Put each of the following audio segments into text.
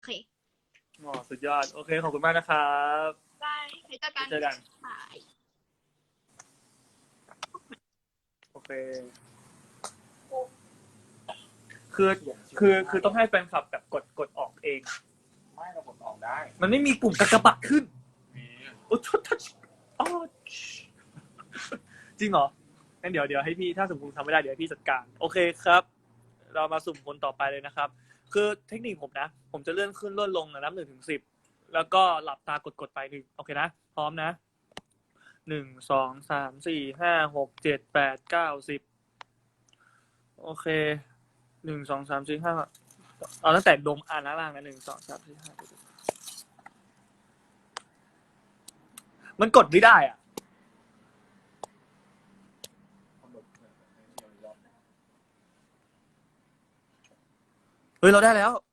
เคอ๋อสุดยอดโอเคขอบคุณมากนะครับได้ไว้เจอกันเจอกันบายโอเคคือต้องให้แฟนคลับแบบกดออกเองไม่เรากดออกได้มันไม่มีปุ่มกากบาทขึ้นโอ้ทัชอ๋อจริงเหรองั้นเดี๋ยวให้พี่ถ้าสมมติทำไม่ได้เดี๋ยวให้พี่จัดการโอเคครับ เรามาสุ่มคนต่อไปเลยนะครับ คือเทคนิคผมนะ ผมจะเลื่อนขึ้นเลื่อนลงนะนับ1 ถึง 10แล้วก็หลับตากดไปหนึ่งโอเคนะพร้อมนะ1 2 3 4 5 6 7 8 9 10โอเค1 2 3 4 5เอาตั้งแต่ดมอ่านล่างนะ1 2 3 4 5มันกดไม่ได้อ่ะเฮ้ยเราได้แล้ว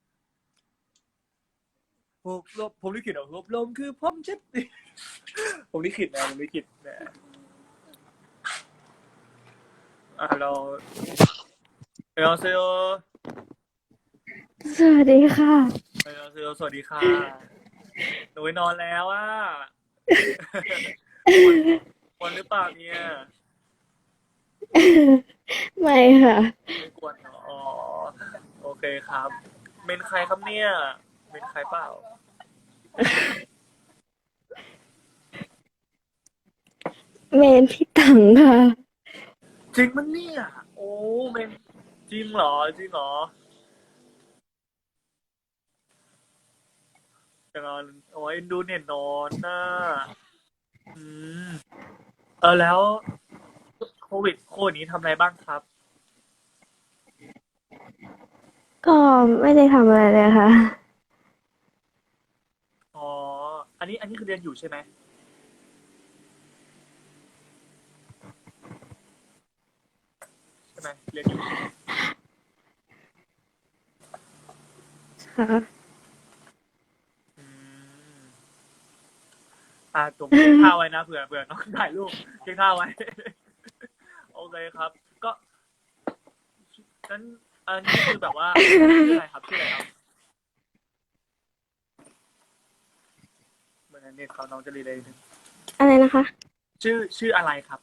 ผมลิขิตเหรอลมคือผมเช็ดผมลิขิตนะผมลิขิตนะเราเซลสวัสดีค่ะสวัสดีค่ะหนูไปนอนแล้วอ่ะวันหรือเปล่าเนี่ยไม่ค่ะไม่กวนเนอะอ๋อโอเคครับเป็นใครครับเนี่ยเป็นใครเปล่าเมนพี่ตังค่ะจริงมันเนี่ยโอ้เป็นจริงเหรอจริงเหรอจะนอนโอ้ยดูเน็ตนอนน่ะอืมแล้วโควิดนี้ทำอะไรบ้างครับก็ไม่ได้ทำอะไรเลยค่ะอ๋ออันนี้คือเรียนอยู่ใช่ไหมใช่ไหมเรียนอยู่ค่ะอืมผมเก็บท่าไว้นะเผื่อน้องถ่ายรูปเก็บท่าไว้ โอเคครับ ก็นั้นอันนี้คือแบบว่าชื่ออะไรครับเหมือนเน็ตเขาน้องจะรีเลยนึงอะไรนะคะชื่ออะไรครับ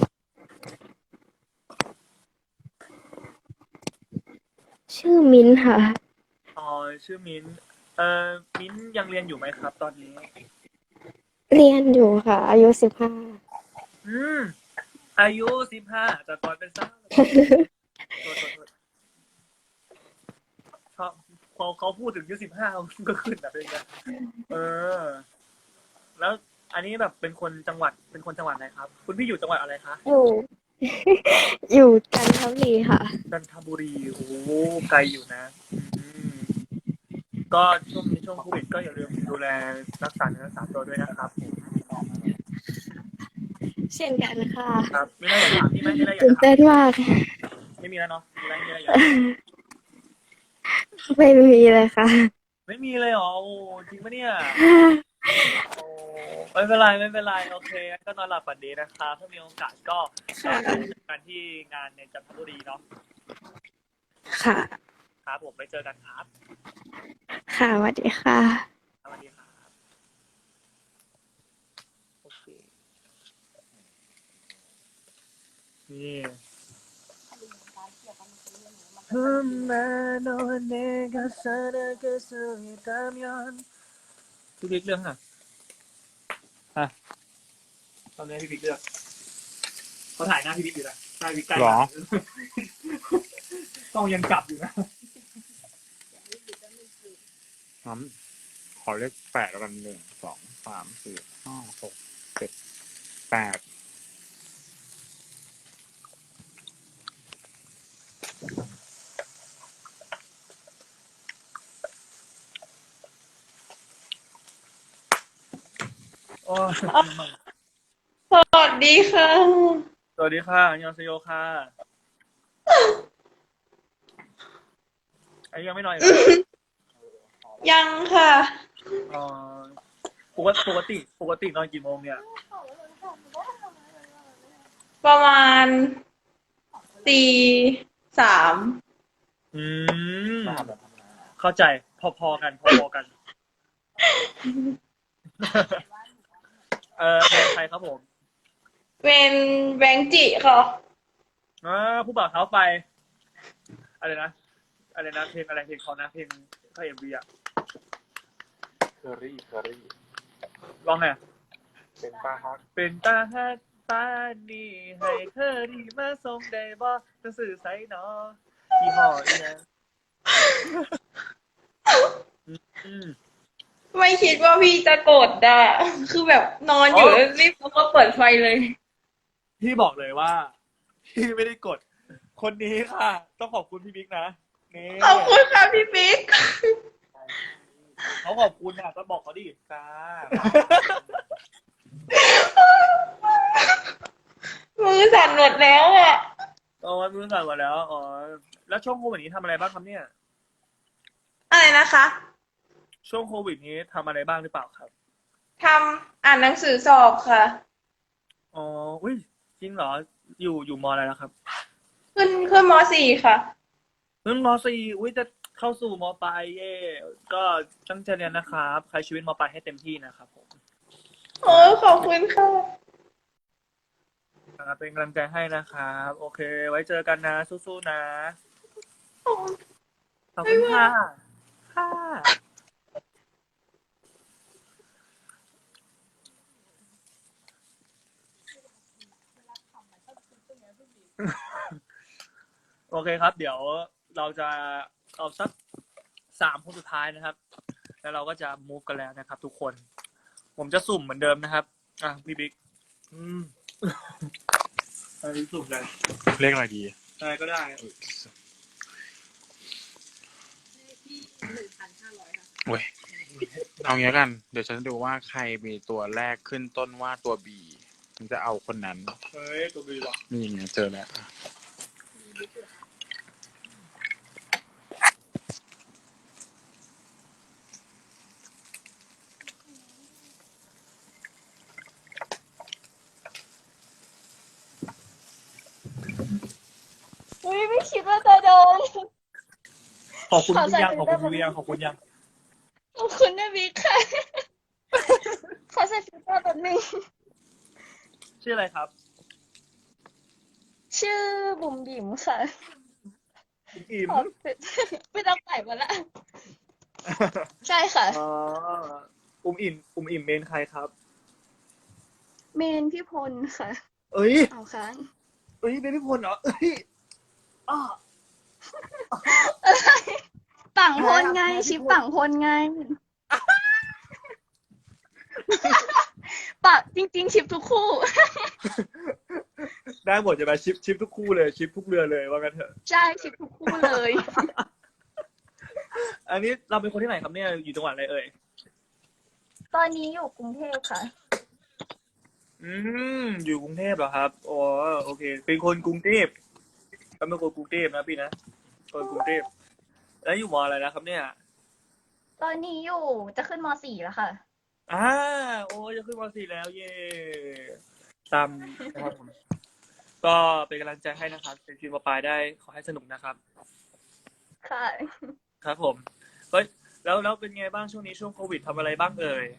ชื่อมิ้นท์ค่ะอ๋อชื่อมิ้นมิ้นยังเรียนอยู่ไหมครับ ตอนนี้เรียนอยู่ค่ะ อายุ15 อืมอายุ15แต่ก่อนเป็นสาวโทษชอบพอเขาพูดถึงอายุ15ก็ขึ้นแบบเป็นไงเออ แล้วอันนี้แบบเป็นคนจังหวัดไหนครับ คุณพี่อยู่จังหวัดอะไรคะอยู่ อยู่จันทบุรีค่ะจันทบุรีโอ้โหไกลอยู่นะอืมก็ช่วงนี้ช่วงโควิดก็อย่าลืมดูแลรักษาเนื้อรักษาตัวด้วยนะครับเช่นกันค่ะครับมีอะไรอยากถามพี่ไหมมีอะไรอยากตื่นจะถามเต้นมากไม่มีแล้วเนาะมีอะไรอยากถามไม่มีเลยค่ะไม่มีเลยเหรอโอ้จริงปะเนี่ยโอ้ไม่เป็นไรโอเคก็นอนหลับฝันดีนะครับถ้ามีโอกาสก็เจอกันที่งานในจันทบุรีเนาะค่ะครับผมไปเจอกันครับค่ะสวัสดีค่ะสวัสดีครับโอเคนี่ พี่บิ๊กเรื่องฮะตอนนี้พี่บิ๊กเลือกเขาถ่ายหน้าพี่บิ๊กอยู่นะหน้าพี่บิ๊กใกล้หรอต้องยังจับอยู่นะงั้นขอเลข8แล้วกัน1 2 3 4 5 6 7 8 โอ้ยสวัสดีค่ะสวัสดีค่ะอันยองเซโยค่ะอันนี้ยังไม่นอนอีกเหรอยังค่ะอ๋อปกตินอนกี่โมงเนี่ยประมาณตี 3 อืมเข้าใจ พพอๆกันเป็นใครครับผมเป็นแบงค์จิค่ะผู้บ่าวเท้าไฟอะไรนะเพลงอะไรเพลงเขานะเพลงเขาเอ็มวีอะเคอรี่ร้องไงเป็นป้าฮักเป็นตาฮักปานนี่ให้เธอดีมาส่งได้บ่จะสื่อใส่เนาะยี่ห้ออีนะอืมไม่คิดว่าพี่จะกดอ่ะ คือแบบนอนอยู่แล้วรีบแล้วก็เปิดไฟเลยพี่บอกเลยว่า พี่ไม่ได้กด คนนี้ค่ะ ต้องขอบคุณพี่บิ๊กนะนี่ขอบคุณค่ะพี่ปิ๊กเขาขอบคุณอ่ะก็บอกเขาดิจ้ามือสั่นหมดแล้วอ่ะอ๋อมือสั่นหมดแล้วอ๋อแล้วช่วงโควิดนี้ทำอะไรบ้างครับเนี่ยอะไรนะคะช่วงโควิดนี้ทำอะไรบ้างหรือเปล่าครับทำอ่านหนังสือสอบค่ะอ๋ออุ้ยจริงเหรออยู่มอะไรแล้วครับขึ้นม .4 ค่ะมสี่อุ้ยจะเข้าสู่มปลายเย่ก็ตั้งใจเรียนนะครับใช้ชีวิตมปลายให้เต็มที่นะครับผมโอ้ขอบคุณค่ะเป็นกำลังใจให้นะครับโอเค ไว้เจอกันนะสู้ๆนะขอบคุณค่ะค่ะโอเคครับ เดี๋ยวเราจะเอาสัก3 คนสุดท้ายนะครับ แล้วเราก็จะ move กันแล้วนะครับ ทุกคน ผมจะสุ่มเหมือนเดิมนะครับพี่บิ๊กอันนี้สุ่มเลยเลขอะไรดีอะไรก็ได้เว้ยเอางี้แล้วกัน เดี๋ยวฉันดูว่าใครมีตัวแรกขึ้นต้นว่าตัว B ฉันจะเอาคนนั้นเฮ้ยตัวบีหรอนี่ไงเจอแล้วอุ้ยไม่คิดว่าจะโดนขอบคุณขอพี่ใส่ยังฟิขลอบเตอคุร์ณพี่ยังขอบคุณยังขอบคุณนะบิ๊กค่ะ ขอใส่ฟิลเตอร์แป๊บนึงชื่ออะไรครับชื่อบุ๋มบิ๋มค่ะอิ่มขอไม่ต้องใส่มาละใช่ค่ะอ๋ออิ่มเมนใครครับเมนพี่พลค่ะเอ้ยเอาค้างเอ้ยเป็นพี่พลเหรอเอ้ยอ้อฝั่งพลไง ชิปฝั่งพลไงปะจริง ๆ ชิปทุกคู่ได้หมดจะมาชิปทุกคู่เลยชิปทุกเรือเลยว่ากันเถอะใช่ชิปทุกคู่เลยอันนี้เราเป็นคนที่ไหนครับเนี่ยอยู่จังหวัดอะไรเอ่ยตอนนี้อยู่กรุงเทพค่ะอยู่กรุงเทพเหรอครับอ๋อโอเค เป็นคนกรุงเทพก็เป็นคนกรุงเทพนะพี่นะคนกรุงเทพแล้วอยู่มออะไรนะครับเนี่ยตอนนี้อยู่จะขึ้นม .4 แล้วค่ะโอ้ยจะขึ้นม .4 แล้วเย่ตามนะครับผมก็เป็นกำลังใจให้นะครับเป็นทีมปลายได้ขอให้สนุกนะครับค่ะครับผมเฮ้ยแล้วเป็นไงบ้างช่วงนี้ช่วงโควิดทำอะไรบ้างเอ่ย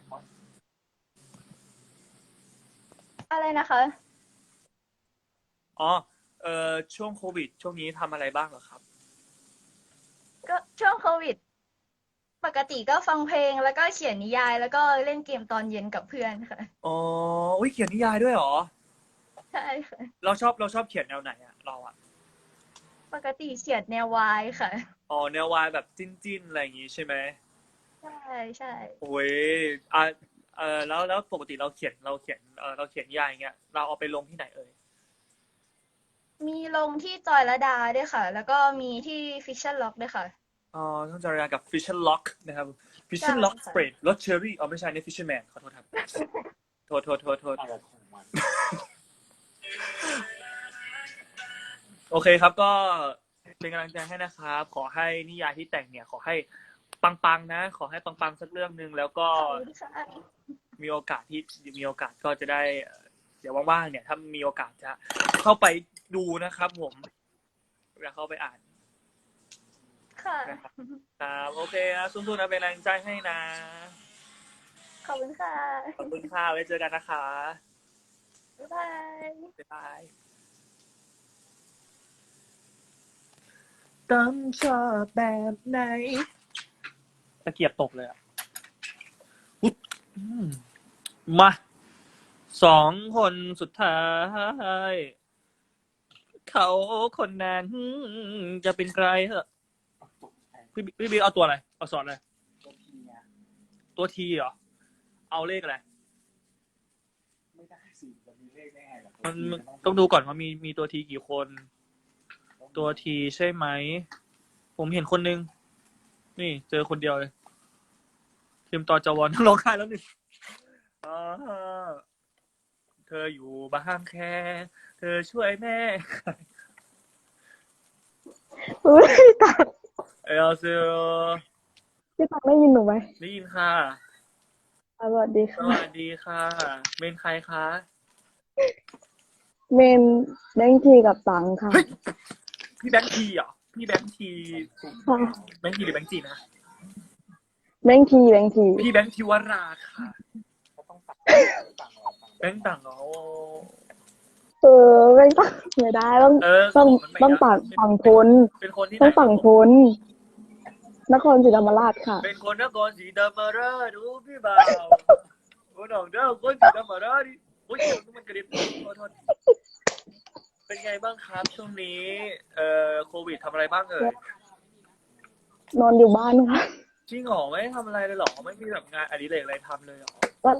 อะไรนะคะอ๋อช่วงโควิด ช่วงนี้ทำอะไรบ้างเหรอครับก็ช่วงโควิด ปกติก็ฟังเพลงแล้วก็เขียนนิยายแล้วก็เล่นเกมตอนเย็นกับเพื่อนค่ะอ๋ออุ้ยเขียนนิยายด้วยเหรอใช่ค่ะเราชอบเขียนแนวไหนอะเราอะปกติเขียนแนววายค่ะอ๋อแนววายแบบจิ้นอะไรอย่างงี้ใช่ไหมใช่ใช่โอ้ยแล้วปกติเราเขียนนิยายอย่างเงี้ยเราเอาไปลงที่ไหนเอ่ยมีลงที่จอยลดาด้วยค่ะ แล้วก็มีที่ฟิชชั่นล็อกด้วยค่ะอ๋อต้องจะเรียนกับ Fisher Lock นะครับ Fisher Lock ใช่ค่ะ Spread รสเชอร์รี่ไม่ใช่ใน Fisherman ขอโทษครับ โทษอะไรของมันโอเคครับก็เป็นกำลังใจให้นะครับขอให้นิยายที่แต่งเนี่ยขอให้ปังๆนะขอให้ปังๆสักเรื่องนึงแล้วก็ขอบคุณค่ะมีโอกาสก็จะได้เดี๋ยวว่างๆเนี่ยถ้ามีโอกาสจะเข้าไปดูนะครับผมอยากเข้าไปอ่านค่ะค่ะครับโอเคนะสู้ๆนะเป็นแรงใจให้นะขอบคุณค่ะขอบคุณค่ะไว้เจอกันนะคะบ๊ายบายบ๊ายบายต้องชอบแบบไหนตะเกียบตกเลยอ่ะอุ๊ยมาสองคนสุดท้าย เขาคนนั้นจะเป็นใครเหรอพี่บิ๊กเอาตัวอะไรเอาสอนอะไรตัวทีเหรอเอาเลขอะไรไม่ได้สิจะมีเลขได้ไงล่ะมันต้องดูก่อนว่ามีตัวทีกี่คน ตัวทีใช่ไหม ผมเห็นคนนึง นี่เจอคนเดียวเลยทีมต่อจวอนร้องไห้แล้วนี่อ่าเธออยู่บ้านแค่ เธอช่วยแม่อุ้ยพี่ตักเอลเซโรพี่ตักได้ยินหนูไหมได้ยินค่ะสวัสดีสค่ะวัสดีค่ะเป็นใครคะเมนแบงค์ทีกับตังค่ะเฮ้ยพี่แบงค์ทีเหรอพี่แบงค์ทีค่ะแบงค์ทีหรือแบงค์จีนะแบงค์ทีแบงค์ทีพี่แบงค์ทิวราค่ะก็ต้องตังแบงค์ต่างเหรอไม่ตักไม่ได้ต้องเออต้องมันไม่ต้องได้ฝั่งทนเป็นคนที่ไหนต้องฝั่งทนนครศรีธรรมราชค่ะเป็นคนนครศรีธรรมราชดูพี่บ่าวโอ้น้องเด้อคนศรีธรรมราชดิโอ้ยมันกระดิบขอโทษเป็นไงบ้างครับช่วงนี้โควิดทำอะไรบ้างเอ่ยนอนอยู่บ้านค่ะจริงเหรอไม่ได้ทำอะไรเลยเหรอไม่มีแบบงานอดิเรกอะไรทำเลยเหรอ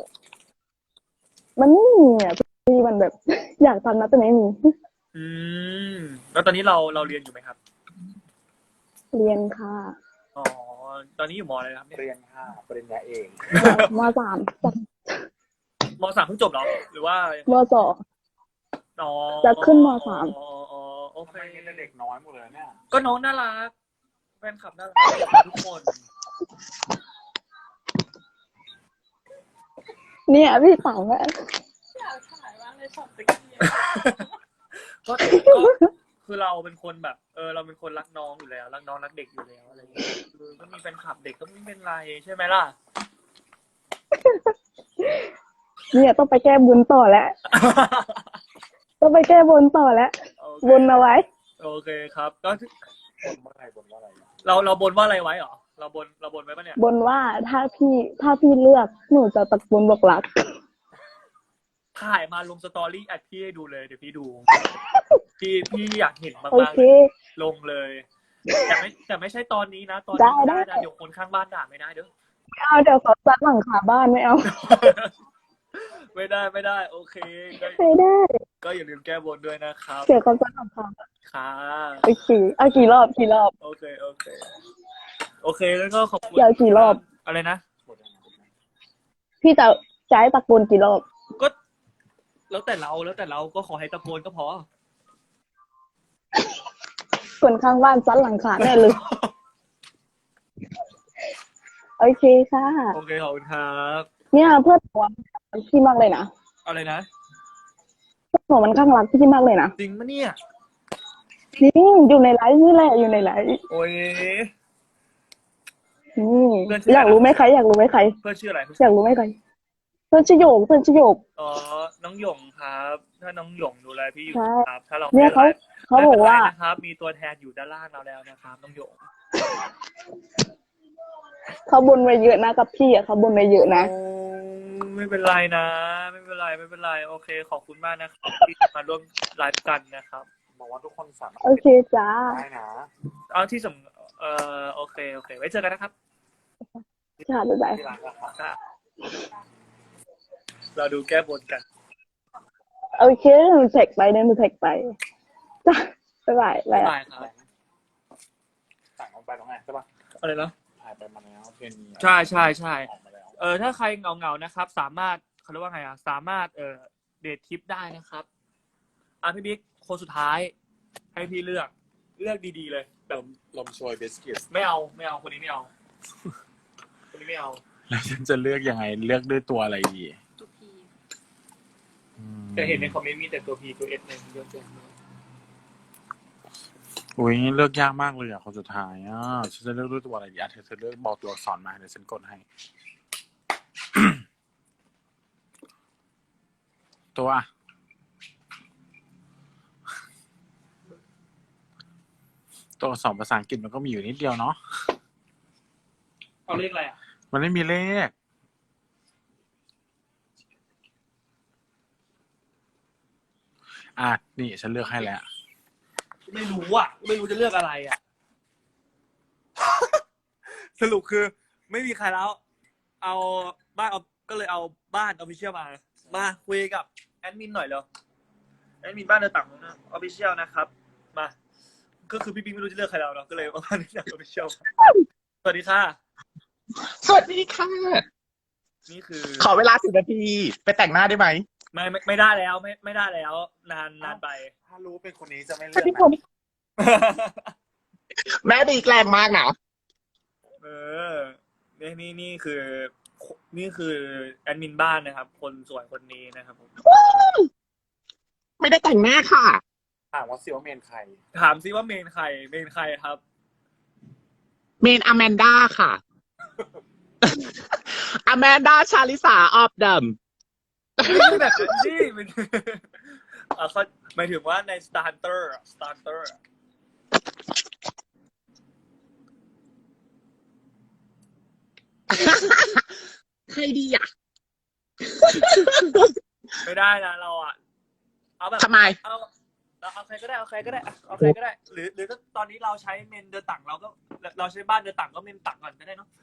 มันไม่มีอ่ะพี่มันแบบ อยากทำนะแต่ไม่มีอืมแล้วตอนนี้เราเรียนอยู่ไหมครับเรียนค่ะอ๋อตอนนี้อยู่มอะไรครับเนี่ยเรียนค่ะปริญญาเอกมสามจากมสามเพิ่งจบเหรอหรือว่ามสองอ๋อจะขึ้นมสามอ๋อโอทำเคไมมีแต่เด็กน้อยหมดเลยเนี่ยก็น้องน่ารักแฟนคลับน่ารักทุกคนเนี่ยพี่ตังอะก็คือเราเป็นคนแบบเราเป็นคนรักน้องอยู่แล้วรักน้องรักเด็กอยู่แล้วอะไรอย่างเงี้ยคือก็มีแฟนคลับเด็กก็ไม่เป็นไรใช่ไหมล่ะเนี่ยต้องไปแก้บุญต่อแล้ว ต้องไปแก้บนต่อแล้วโอเคบนเอาไว้โอเคครับ ก็บนว่าอะไรบนว่าอะไรเราบนว่าอะไรไว้เหรอเราบนไว้ปะเนี่ยบนว่าถ้าพี่เลือกหนูจะตะโกนบอกรักถ่ายมาลงสตอรี่อัดพี่ให้ดูเลยเดี๋ยวพี่ดู พี่อยากเห็นโอมากเคๆลงเลย แต่ไม่ใช่ตอนนี้นะตอนได้นี้ไม่ได้ได้นะเดี๋ยวคนข้างบ้านด่าไม่ได้เด้อไม่เอาเดี๋ยวเขาซัดหลังคาบ้านไม่เอาไม่ได้โอเคก็ไม่ได้ก็อย่าลืมแก้บนด้วยนะครับเดี๋ยวเขาซัดหลังคาค่ะโอเคเอากี่รอบโอเคแล้วก็ขอบคุณอยากกี่รอบอะไรนะบนยังไงบนยังไงพี่จะให้ตะโกนกี่รอบก็แล้วแต่เราก็ขอให้ตะโกนก็พอคนข้างบ้านซัดหลังคาแน่เลย โอเคค่ะโอเคขอบคุณครับเนี่ยเพื่อนหนูพี่มากเลยนะอะไรนะเพื่อนหนูมันข้างรักพี่มากเลยนะจริงปะเนี่ยจริงอยู่ในไลฟ์นี่แหละอยู่ในไลฟ์โอ้ยอยากรู้ไหมใครเพื่อนชื่ออะไรอยากรู้ไหมใครเพื่อนชื่อโยกอ๋อน้องหยงครับ ถ้าน้องหยงดูแลพี่อยู่ใช่ครับ ถ้าเราเนี่ยเขาไม่ไลฟ์เขาบอกว่าไม่เป็นไรนะครับ มีตัวแทนอยู่ด้านล่างเราแล้วนะครับน้องหยงเขาบนไว้เยอะนะกับพี่อ่ะเขาบนไว้เยอะนะโอ้ไม่เป็นไรนะ ไม่เป็นไรโอเค ขอบคุณมากนะครับที่มาร่วมไลฟ์กันนะครับบอกว่าทุกคนสามารถโอเคจ้าได้นะเอาที่โอเคไว้เจอกันนะครับค่ะบ๊ายบายที่ร้านก็ค่ะค่ะเราดูแก้บนกันโอเคหนูแท็กไปจ้าบ๊ายบายบ๊ายบายครับสั่งออกไปตรงไหนใช่ปะอะไรนะถ่ายไปมาแล้วเพลงนี้ใช่ออกมาแล้วถ้าใครเหงานะครับ สามารถเขาเรียกว่าไงสามารถเดททริปได้นะครับพี่บิ๊กคนสุดท้าย ให้พี่เลือกดีๆเลยแบบลมโชยเบสกิตไม่เอาคนนี้ไม่เอา คนนี้ไม่เอาแล้วฉันจะเลือกยังไงเลือกด้วยตัวอะไรดีตัวพีแต่เห็นในคอมเมนต์มีแต่ตัว P ตัว S ในเยอะแยะเลยอุ้ยเลือกยากมากเลยอ่ะคนสุดท้ายอ่ะฉันจะเลือกด้วยตัวอะไรดีอ่ะเธอเลือกบอกตัวอักษรมาเดี๋ยวฉันกดให้ ตัวตัวอักษรภาษาอังกฤษมันก็มีอยู่นิดเดียวเนาะเอาเลขอะไรอ่ะมันไม่มีเลขนี่ฉันเลือกให้แล้วไม่รู้อ่ะ ไม่รู้จะเลือกอะไรอ่ะ สรุปคือไม่มีใครแล้ว เอาบ้านก็เลยเอาบ้านออฟฟิเชียลมาคุยกับแอดมินหน่อยเร็วแอดมินบ้านเดินต่างออฟฟิเชียลนะครับ มา ก็คือพี่ปิ๊งไม่รู้จะเลือกใครแล้วเนาะก็เลยเอาบ้านเดินต่างออฟฟิเชียลสวัสดีค่ะสวัสดีค่ะนี่คือขอเวลา10 นาที ไปแต่งหน้าได้ไหมไม่ได้แล้วไม่ได้แล้ว นานไปถ้ารู้เป็นคนนี้จะไม่เลืสวัอกสดีนะผม แม่ดีแกล้งมากนะนี่คือแอดมินบ้านนะครับ คนสวยคนนี้นะครับผมไม่ได้แต่งหน้าค่ะถามว่าซิว่าเมนใครถามซิว่าเมนใครครับเมนอแมนด้าค่ะ อแมนด้าชาลิสาออฟเดิมไม่ใช่แบบนั้นสิมันเขาหมายถึงว่าใน Starter ใครดีอ่ะไม่ได้นะเราอ่ะ เอาแบบทำไมเอาใครก็ได้เอาใครก็ได้ หรือถ้าตอนนี้เราใช้เมนเดอร์ตังเราใช้บ้านเดอร์ตังก็เมนตังก่อนก็ได้เนาะ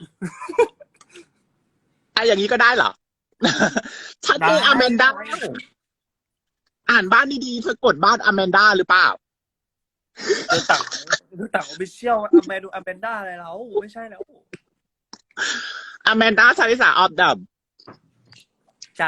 อย่างนี้ก็ได้เหรอ ชัดเจนได้อแมนด้า อ่านบ้านดีๆเธอกดบ้านอแมนด้าหรือเปล่าเดอร์ตังออฟฟิเชียลอแมนด้าอะไรเราไม่ใช่แล้วอแมนด้าชาลิสาออฟเดิมจ้ะ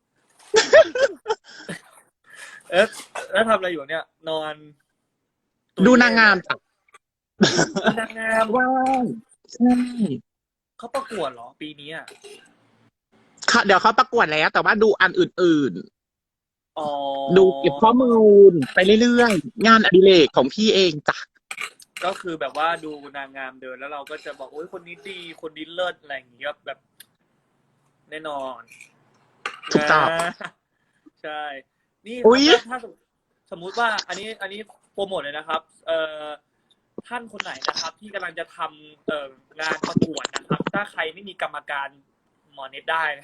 แล้วทำอะไรอยู่เนี่ย นอนดูนางงามจ้ะดูนางงามว้าวใช่เขาประกวดเหรอปีนี้อ่ะค่ะเดี๋ยวเขาประกวดแล้ว แต่ว่าดูอันอื่นอ๋อๆ ดูเก็บข้อมูลไปเรื่อยๆ งานอดิเรกของพี่เองจ้ะก็คือแบบว่าดูนางงามเดินแล้วเราก็จะบอกโอ้ยคนนี้ดีคนนี้เลิศอะไรอย่างเงี้ยแบบ แน่นอนถูกต้องนะใช่ นี่อุ๊ยถ้าสมมุติว่าอันนี้โปรโมทเลยนะครับ ท่านคนไหนนะครับ ที่กำลังจะทำงานประกวดนะครับ ถ้าใครไม่มีกรรมการหมอเน็ตได้นะ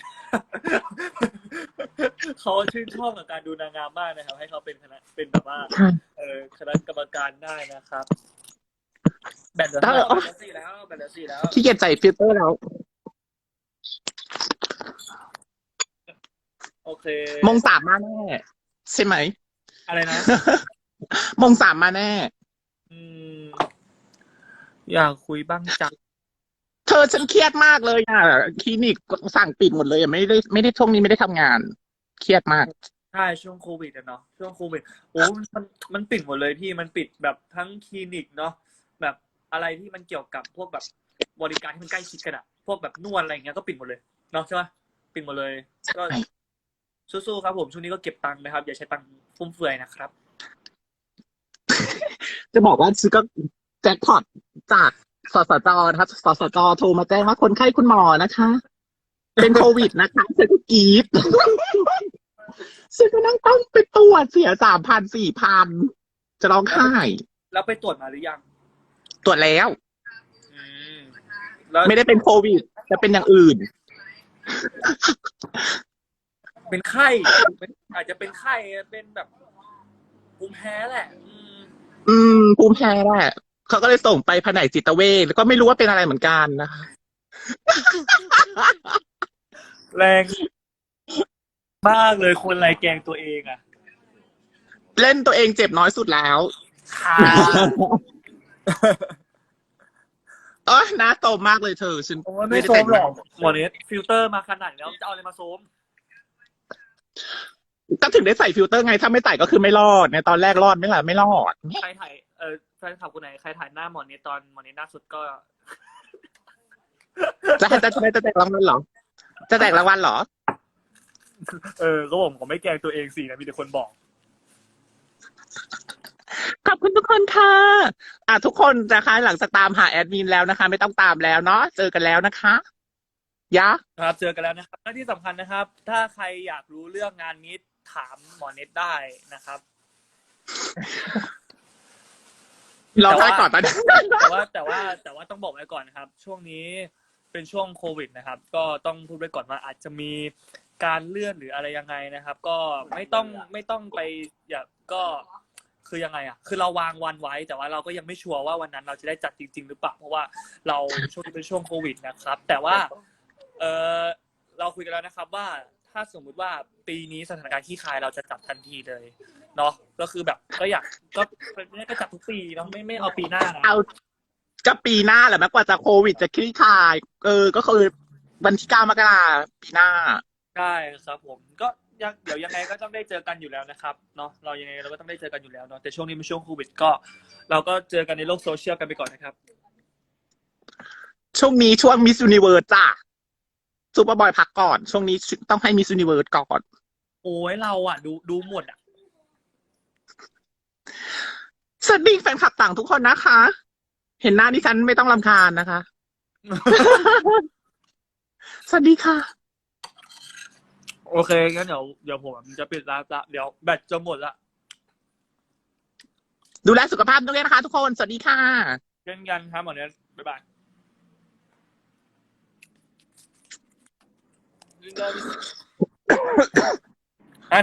เขาชื่นชอบกับการดูนางงามมากนะครับ ให้เขาเป็นแบบว่า คณะกรรมการได้นะครับ แบตเหลือ4แล้วขี้เกียจใส่ฟิลเตอร์แล้วโอเคมง3มาแน่ใช่ไหมอะไรนะมง3มาแน่อยากคุยบ้างจังเธอฉันเครียดมากเลยอ่ะคลินิกสั่งปิดหมดเลยอ่ะไม่ได้ช่วงนี้ไม่ได้ทำงาน เครียดมากใช่ช่วงโควิดอะเนาะช่วงโควิดโอ้มันปิดหมดเลยพี่มันปิดแบบทั้งคลินิกเนาะแบบอะไรที่มันเกี่ยวกับพวกแบบบริการที่มันใกล้ชิดกันอะพวกแบบนวดอะไรอย่างเงี้ยก็ปิดหมดเลยเนาะใช่ปะปิดหมดเลยก็สู้ๆครับผมช่วงนี้ก็เก็บตังค์นะครับอย่าใช้ตังค์ฟุ่มเฟือยนะครับจะบอกว่าซื้อก็แจ็คพอตจากสสจนะครับสสจโทรมาแจ้งว่าคนไข้คุณหมอนะคะ เป็นโควิดนะคะฉันก็กรี๊ด ฉันก็นั่งต้องไปตรวจเสีย3,000 4,000จะร้องไห้แล้วไปตรวจมาหรือยังตรวจแล้วแล้วไม่ได้เป็นโควิดจะเป็นอย่างอื่นเป็นไข้อาจจะเป็นไข้เป็นแบบภูมิแพ้แหละภูมิแพ้แหละเขาก็เลยส่งไปแผนกจิตเวชแล้วก็ไม่รู้ว่าเป็นอะไรเหมือนกันนะคะแรงมากเลยคนไรแกงตัวเองอะเล่นตัวเองเจ็บน้อยสุดแล้วค่ะน่าโตมากเลยเธอฉันโอ้ยไม่โซมหรอกหมอเนสฟิลเตอร์มาขนาดแล้วจะเอาอะไรมาโซมก็ถึงได้ใส่ฟิลเตอร์ไงถ้าไม่ใส่ก็คือไม่รอดในตอนแรกรอดไม่ล่ะไม่รอดใครถ่ายแฟนคลับคนไหนใครถ่ายหน้าหมอเนสตอนหมอเนสหน้าสุดก็จะแจกรางวัลเหรอ จะแจกรางวัลเหรอก็ผมไม่แกล้งตัวเองสินะมีแต่คนบอกขอบคุณทุกคนค่ะทุกคนนะคะหลังจากตามหาแอดมินแล้วนะคะ ไม่ต้องตามแล้วเนาะเจอกันแล้วนะคะยะครับเจอกันแล้วนะครับและที่สำคัญนะครับ ถ้าใครอยากรู้เรื่องงานนี้ถามหมอเน็ตได้นะครับรอท้ายก่อนตอนนี้แต่ว่าต้องบอกไว้ก่อนนะครับ ช่วงนี้เป็นช่วงโควิดนะครับ ก็ต้องพูดไว้ก่อนว่าอาจจะมีการเลื่อนหรืออะไรยังไงนะครับ ก็ไม่ต้องไปก็คือยังไงอ่ะคือเราวางวันไว้แต่ว่าเราก็ยังไม่ชัวร์ว่าวันนั้นเราจะได้จัดจริงๆหรือเปล่าเพราะว่าเราช่วงนี้เป็นช่วงโควิดนะครับ แต่ว่าเราคุยกันแล้วนะครับว่าถ้าสมมุติว่าปีนี้สถานการณ์คลี่คลายเราจะจัดทันทีเลยเนาะก็คือแบบก็อยากก็จัดทุกปีเนาะไม่เอาปีหน้านะเอาก็ปีหน้าแหละแม้กว่าจะโควิดจะคลี่คลายก็คือวันที่9 มกราปีหน้าใช่ครับผมก็เดี๋ยวยังไงก็ต้องได้เจอกันอยู่แล้วนะครับเนาะเรายังไงเราก็ต้องได้เจอกันอยู่แล้วเนาะแต่ช่วงนี้เป็นช่วงโควิดก็เราก็เจอกันในโลกโซเชียลกันไปก่อนนะครับช่วงนี้ช่วงมิส s u นิเวิร์สจ้ะซูเปอร์บอยพักก่อน ช่วงนี้ต้องให้มิส s u นิเวิร์สก่อนโอ้ยเราอ่ะดูหมดอ่ะสวัสดีแฟนคลับต่างทุกคนนะคะ เห็นหน้าดิฉันไม่ต้องรำคาญนะคะ สวัสดีค่ะโอเคงั้นเดี๋ยวผมจะปิดไลฟ์ละเดี๋ยวแบตจะหมดละดูแลสุขภาพด้วยนะคะทุกคน สวัสดีค่ะเช่นกันครับหมอเนี้ยบ๊ายบายไอ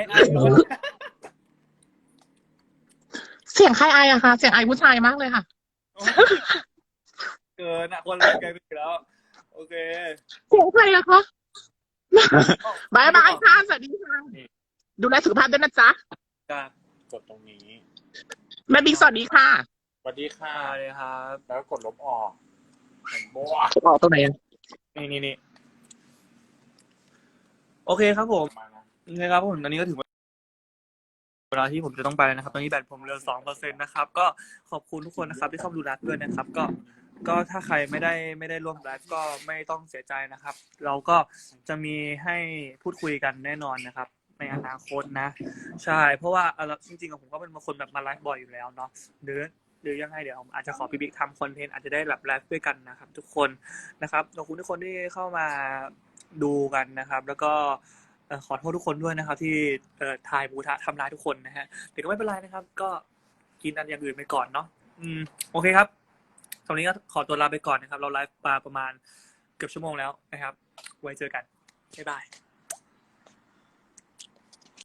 เสียงใครไออะคะ เสียงไอผู้ชายมากเลยค่ะเกินอ่ะคนละไกลไปแล้วโอเคเสียงใครอะคะบายบายค่ะ สวัสดีค่ะ ดูแลสุขภาพด้วยนะจ๊ะการกดตรงนี้แม่บิ๊กสวัสดีค่ะสวัสดีค่ะเลยครับแล้วก็กดลบออกเห็นโบ้ออกตรงไหนอะนี่โอเคครับผมมานะโอเคครับผมตอนนี้ก็ถึงเวลาที่ผมจะต้องไปแล้วนะครับตอนนี้แบตผมเหลือ 2% นะครับก็ขอบคุณทุกคนนะครับที่เข้ามาดูไลฟ์ด้วยนะครับก็ถ้าใครไม่ได้ร่วมไลฟ์ก็ไม่ต้องเสียใจนะครับ เราก็จะมีให้พูดคุยกันแน่นอนนะครับ ในอนาคตนะใช่เพราะว่าจริงๆผมก็เป็นคนแบบมาไลฟ์บ่อยอยู่แล้วเนาะหรือยังไงเดี๋ยวผมอาจจะขอพี่บิ๊กทำคอนเทนต์อาจจะได้แบบไลฟ์ด้วยกันนะครับ ทุกคนนะครับขอบคุณทุกคนที่เข้ามาดูกันนะครับ แล้วก็ขอโทษทุกคนด้วยนะครับ ที่ทายบูทะทำร้ายทุกคนนะฮะแต่ก็ไม่เป็นไรนะครับ ก็กินอันอย่างอื่นไปก่อนเนาะโอเคครับตอนนี้ก็ขอตัวลาไปก่อนนะครับ เราไลฟ์มาประมาณเกือบชั่วโมงแล้วนะครับ ไว้เจอกันบ๊ายบาย